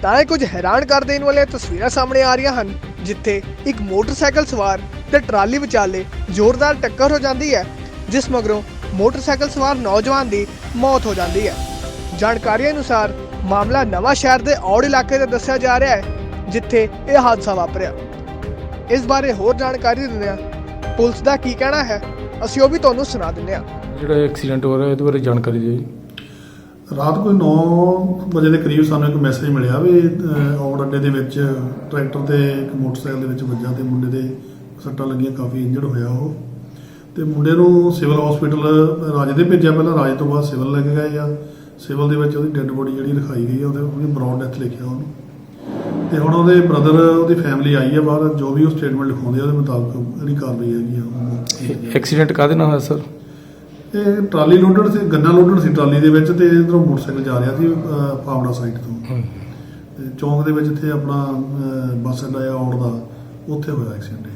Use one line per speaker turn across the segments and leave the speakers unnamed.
ਤਾਂ ਇਹ ਕੁਝ ਹੈਰਾਨ ਕਰ ਦੇਣ ਵਾਲੀਆਂ ਤਸਵੀਰਾਂ ਸਾਹਮਣੇ ਆ ਰਹੀਆਂ ਹਨ, ਜਿੱਥੇ ਇੱਕ ਮੋਟਰਸਾਈਕਲ ਸਵਾਰ ਤੇ ਟਰਾਲੀ ਵਿਚਾਲੇ ਜ਼ੋਰਦਾਰ ਟੱਕਰ ਹੋ ਜਾਂਦੀ ਹੈ, ਜਿਸ ਮਗਰੋਂ ਮੋਟਰਸਾਈਕਲ ਸਵਾਰ ਨੌਜਵਾਨ ਦੀ ਮੌਤ ਹੋ ਜਾਂਦੀ ਹੈ। ਜਾਣਕਾਰੀ ਅਨੁਸਾਰ ਮਾਮਲਾ ਨਵਾਂ ਸ਼ਹਿਰ ਦੇ ਔੜ ਇਲਾਕੇ ਦਾ ਦੱਸਿਆ ਜਾ ਰਿਹਾ ਹੈ, ਜਿੱਥੇ ਇਹ ਹਾਦਸਾ ਵਾਪਰਿਆ। ਇਸ ਬਾਰੇ ਹੋਰ ਜਾਣਕਾਰੀ ਦਿੰਦੇ ਹਾਂ ਪੁਲਿਸ ਦਾ ਕੀ ਕਹਿਣਾ ਹੈ, ਅਸੀਂ ਉਹ ਵੀ ਤੁਹਾਨੂੰ ਸੁਣਾ ਦਿੰਦੇ ਹਾਂ।
ਜਿਹੜਾ ਐਕਸੀਡੈਂਟ ਹੋ ਰਿਹਾ ਇਹਦੇ ਬਾਰੇ ਜਾਣਕਾਰੀ ਦਿਓ ਜੀ।
ਰਾਤ ਕੋਈ 9 ਵਜੇ ਦੇ ਕਰੀਬ ਸਾਨੂੰ ਇੱਕ ਮੈਸੇਜ ਮਿਲਿਆ ਵੀ ਔੜ ਅੱਡੇ ਦੇ ਵਿੱਚ ਟਰੈਕਟਰ ਤੇ ਇੱਕ ਮੋਟਰਸਾਈਕਲ ਦੇ ਵਿੱਚ ਵੱਜਾ ਤੇ ਮੁੰਡੇ ਦੇ ਸੱਟਾਂ ਲੱਗੀਆਂ, ਕਾਫੀ ਇੰਜਰਡ ਹੋਇਆ ਉਹ। ਤੇ ਮੁੰਡੇ ਨੂੰ ਸਿਵਲ ਹਸਪੀਟਲ ਰਾਜੇ ਦੇ ਭੇਜਿਆ, ਪਹਿਲਾਂ ਰਾਜੇ ਤੋਂ ਬਾਅਦ ਸਿਵਲ ਲੈ ਕੇ ਗਏ ਆ। ਸਿਵਲ ਦੇ ਵਿੱਚ ਉਹਦੀ ਡੈੱਡ ਬੋਡੀ ਜਿਹੜੀ ਰਖਾਈ ਗਈ ਆ, ਉਹਦੀ ਬਰੌਡ ਡੈਥ ਲਿਖਿਆ ਉਹਨੂੰ। ਤੇ ਹੁਣ ਉਹਦੇ ਬ੍ਰਦਰ, ਉਹਦੀ ਫੈਮਿਲੀ ਆਈ ਆ ਬਾਹਰ, ਜੋ ਵੀ ਉਹ ਸਟੇਟਮੈਂਟ ਲਿਖਾਉਂਦੇ ਆ ਉਹਦੇ ਮੁਤਾਬਕ ਜਿਹੜੀ ਕਾਰਵਾਈ ਹੈਗੀ ਆ।
ਐਕਸੀਡੈਂਟ ਕਾਹਦੇ ਨਾਲ ਹੋਇਆ ਸਰ?
ਇਹ ਟਰਾਲੀ ਲੋਡਡ ਸੀ, ਗੰਨਾ ਲੋਡਡ ਸੀ ਟਰਾਲੀ ਦੇ ਵਿੱਚ, ਤੇ ਇਧਰੋਂ ਮੋਟਰਸਾਈਕਲ ਜਾ ਰਿਹਾ ਸੀ ਪਾਵੜਾ ਸਾਈਡ ਤੋਂ। ਤੇ ਚੌਂਕ ਦੇ ਵਿੱਚ ਇੱਥੇ ਆਪਣਾ ਬੱਸ ਅੱਡਾ ਆ ਔੜ ਦਾ, ਉੱਥੇ ਹੋਇਆ ਐਕਸੀਡੈਂਟ।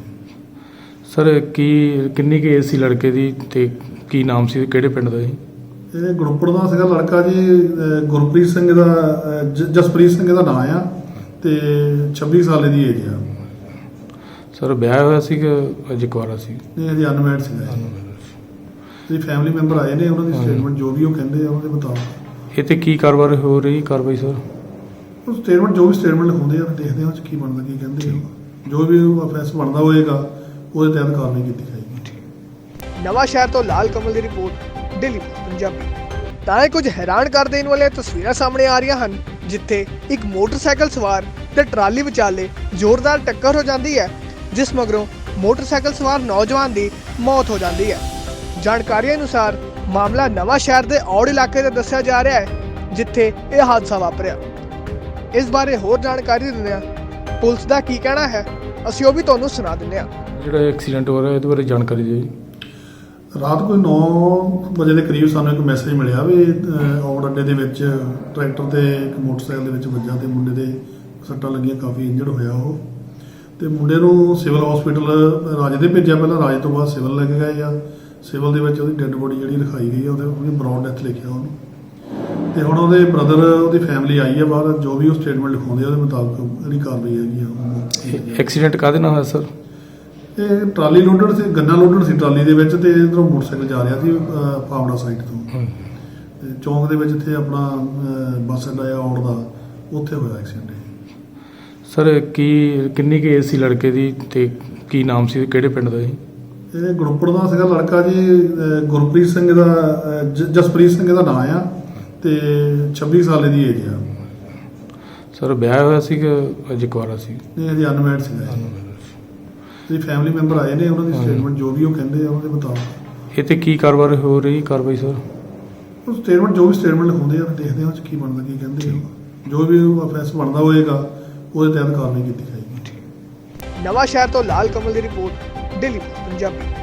ਸਰ ਕਿੰਨੀ ਕੁ ਏਜ ਸੀ ਲੜਕੇ ਦੀ ਤੇ ਕੀ ਨਾਮ ਸੀ, ਕਿਹੜੇ ਪਿੰਡ ਦਾ ਜੀ?
ਇਹ ਗੁਰਪੁਰ ਦਾ ਸੀਗਾ ਲੜਕਾ ਜੀ, ਗੁਰਪ੍ਰੀਤ ਸਿੰਘ ਦਾ, ਜਸਪ੍ਰੀਤ ਸਿੰਘ ਦਾ ਨਾਂ ਆ, ਤੇ 26 ਸਾਲ ਦੀ ਏਜ ਆ।
ਸਰ ਵਿਆਹ ਹੋਇਆ ਸੀ ਕਿ ਅਜੇ ਕੁਆਰਾ ਸੀ?
ਇਹ ਹਜੇ ਅਨਮੈਰਿਡ ਸੀਗਾ। ਤੇ ਫੈਮਿਲੀ ਮੈਂਬਰ ਆਏ ਨੇ, ਉਹਨਾਂ ਦੀ ਸਟੇਟਮੈਂਟ ਜੋ ਵੀ ਉਹ ਕਹਿੰਦੇ ਆ ਉਹਦੇ ਮੁਤਾਬਕ।
ਇਹ ਤੇ ਕੀ ਕਾਰਵਾਈ ਹੋ ਰਹੀ ਕਾਰਵਾਈ ਸਰ?
ਉਹ ਸਟੇਟਮੈਂਟ ਜੋ ਵੀ ਸਟੇਟਮੈਂਟ ਲਿਖਾਉਂਦੇ ਆ, ਦੇਖਦੇ ਆ ਉਹ 'ਚ ਕੀ ਬਣਦਾ, ਕੀ ਕਹਿੰਦੇ ਆ। ਜੋ ਵੀ ਫੈਸਲਾ ਬਣਦਾ ਹੋਏਗਾ ਉਹਦੇ ਤਹਿਤ ਕਾਰਵਾਈ ਕੀਤੀ ਜਾਏਗੀ।
ਨਵਾਂ ਸ਼ਹਿਰ ਤੋਂ ਲਾਲ ਕਮਲ ਦੀ ਰਿਪੋਰਟ, ਦਿੱਲੀ ਪੰਜਾਬੀ। ਤਾਂ ਇਹ ਕੁਝ ਹੈਰਾਨ ਕਰ ਦੇਣ ਵਾਲੀਆਂ ਤਸਵੀਰਾਂ ਸਾਹਮਣੇ ਆ ਰਹੀਆਂ ਹਨ, ਜਿੱਥੇ ਇੱਕ ਮੋਟਰਸਾਈਕਲ ਸਵਾਰ ਤੇ ਟਰਾਲੀ ਵਿਚਾਲੇ ਜ਼ੋਰਦਾਰ ਟੱਕਰ ਹੋ ਜਾਂਦੀ ਹੈ, ਜਿਸ ਮਗਰੋਂ ਮੋਟਰਸਾਈਕਲ ਸਵਾਰ ਨੌਜਵਾਨ ਦੀ ਮੌਤ ਹੋ ਜਾਂਦੀ ਹੈ। ਜਾਣਕਾਰੀ ਅਨੁਸਾਰ ਮਾਮਲਾ ਨਵਾਂ ਸ਼ਹਿਰ ਦੇ ਔੜ ਇਲਾਕੇ ਦਾ ਦੱਸਿਆ ਜਾ ਰਿਹਾ ਹੈ, ਜਿੱਥੇ ਇਹ ਹਾਦਸਾ ਵਾਪਰਿਆ। ਇਸ ਬਾਰੇ ਹੋਰ ਜਾਣਕਾਰੀ ਦਿੰਦੇ ਹਾਂ ਪੁਲਿਸ ਦਾ ਕੀ ਕਹਿਣਾ ਹੈ, ਅਸੀਂ ਉਹ ਵੀ ਤੁਹਾਨੂੰ ਸੁਣਾ ਦਿੰਦੇ ਹਾਂ।
ਜਿਹੜਾ ਐਕਸੀਡੈਂਟ ਹੋ ਰਿਹਾ ਇਹਦੇ ਬਾਰੇ ਜਾਣਕਾਰੀ ਦਿਓ ਜੀ।
ਰਾਤ ਕੋਈ 9 ਵਜੇ ਦੇ ਕਰੀਬ ਸਾਨੂੰ ਇੱਕ ਮੈਸੇਜ ਮਿਲਿਆ ਵੀ ਔੜ ਅੱਡੇ ਦੇ ਵਿੱਚ ਟਰੈਕਟਰ ਤੇ ਇੱਕ ਮੋਟਰਸਾਈਕਲ ਦੇ ਵਿੱਚ ਵੱਜਾ ਤੇ ਮੁੰਡੇ ਦੇ ਸੱਟਾਂ ਲੱਗੀਆਂ, ਕਾਫੀ ਇੰਜਰਡ ਹੋਇਆ ਉਹ। ਤੇ ਮੁੰਡੇ ਨੂੰ ਸਿਵਲ ਹਸਪੀਟਲ ਰਾਜੇ ਦੇ ਭੇਜਿਆ, ਪਹਿਲਾਂ ਰਾਜੇ ਤੋਂ ਬਾਅਦ ਸਿਵਲ ਲੈ ਕੇ ਗਏ ਆ। ਸਿਵਲ ਦੇ ਵਿੱਚ ਉਹਦੀ ਡੈੱਡ ਬੋਡੀ ਜਿਹੜੀ ਰਖਾਈ ਗਈ ਆ, ਉਹਦੀ ਬਰੌਡ ਡੈਥ ਲਿਖਿਆ ਉਹਨੂੰ। ਤੇ ਹੁਣ ਉਹਦੇ ਬ੍ਰਦਰ, ਉਹਦੀ ਫੈਮਿਲੀ ਆਈ ਆ ਬਾਹਰ, ਜੋ ਵੀ ਉਹ ਸਟੇਟਮੈਂਟ ਲਿਖਾਉਂਦੇ ਆ ਉਹਦੇ ਮੁਤਾਬਕ ਜਿਹੜੀ ਕਾਰਵਾਈ ਹੈਗੀ ਆ।
ਐਕਸੀਡੈਂਟ ਕਾਹਦੇ ਨਾਲ ਹੋਇਆ ਸਰ?
ਇਹ ਟਰਾਲੀ ਲੋਡਡ ਸੀ, ਗੰਨਾ ਲੋਡਡ ਸੀ ਟਰਾਲੀ ਦੇ ਵਿੱਚ, ਤੇ ਇਧਰੋਂ ਮੋਟਰਸਾਈਕਲ ਜਾ ਰਿਹਾ ਸੀ ਪਾਵੜਾ ਸਾਈਡ ਤੋਂ। ਤੇ ਚੌਂਕ ਦੇ ਵਿੱਚ ਇੱਥੇ ਆਪਣਾ ਬੱਸ ਅੱਡਾ ਆ ਔੜ ਦਾ, ਉੱਥੇ ਹੋਇਆ ਐਕਸੀਡੈਂਟ।
ਸਰ ਕਿੰਨੀ ਕੁ ਏਜ ਸੀ ਲੜਕੇ ਦੀ ਤੇ ਕੀ ਨਾਮ ਸੀ, ਕਿਹੜੇ ਪਿੰਡ ਦਾ ਜੀ?
ਇਹ ਗੁਰਪੁਰ ਦਾ ਸੀਗਾ ਲੜਕਾ ਜੀ, ਗੁਰਪ੍ਰੀਤ ਸਿੰਘ ਦਾ, ਜਸਪ੍ਰੀਤ ਸਿੰਘ ਦਾ ਨਾਂ ਆ, ਤੇ 26 ਸਾਲ ਦੀ ਏਜ ਆ।
ਸਰ ਵਿਆਹ ਹੋਇਆ ਸੀ ਕਿ ਅਜੇ ਕੁਆਰਾ ਸੀ?
ਇਹ ਹਜੇ ਅਨਮੈਰਿਡ ਸੀਗਾ। ਤੇ ਫੈਮਿਲੀ ਮੈਂਬਰ ਆਏ ਨੇ, ਉਹਨਾਂ ਦੀ ਸਟੇਟਮੈਂਟ ਜੋ ਵੀ ਉਹ ਕਹਿੰਦੇ ਆ ਉਹਦੇ ਮੁਤਾਬਕ।
ਇਹ ਤੇ ਕੀ ਕਾਰਵਾਈ ਹੋ ਰਹੀ ਕਾਰਵਾਈ ਸਰ?
ਉਹ ਸਟੇਟਮੈਂਟ ਜੋ ਵੀ ਸਟੇਟਮੈਂਟ ਲਿਖਾਉਂਦੇ ਆ, ਦੇਖਦੇ ਆ ਉਹ 'ਚ ਕੀ ਬਣਦਾ, ਕੀ ਕਹਿੰਦੇ ਆ। ਜੋ ਵੀ ਫੈਸਲਾ ਬਣਦਾ ਹੋਏਗਾ ਉਹਦੇ ਤਹਿਤ ਕਾਰਵਾਈ ਕੀਤੀ ਜਾਏਗੀ।
ਨਵਾਂ ਸ਼ਹਿਰ ਤੋਂ ਲਾਲ ਕਮਲ ਦੀ ਰਿਪੋਰਟ, ਦਿੱਲੀ ਪੰਜਾਬੀ।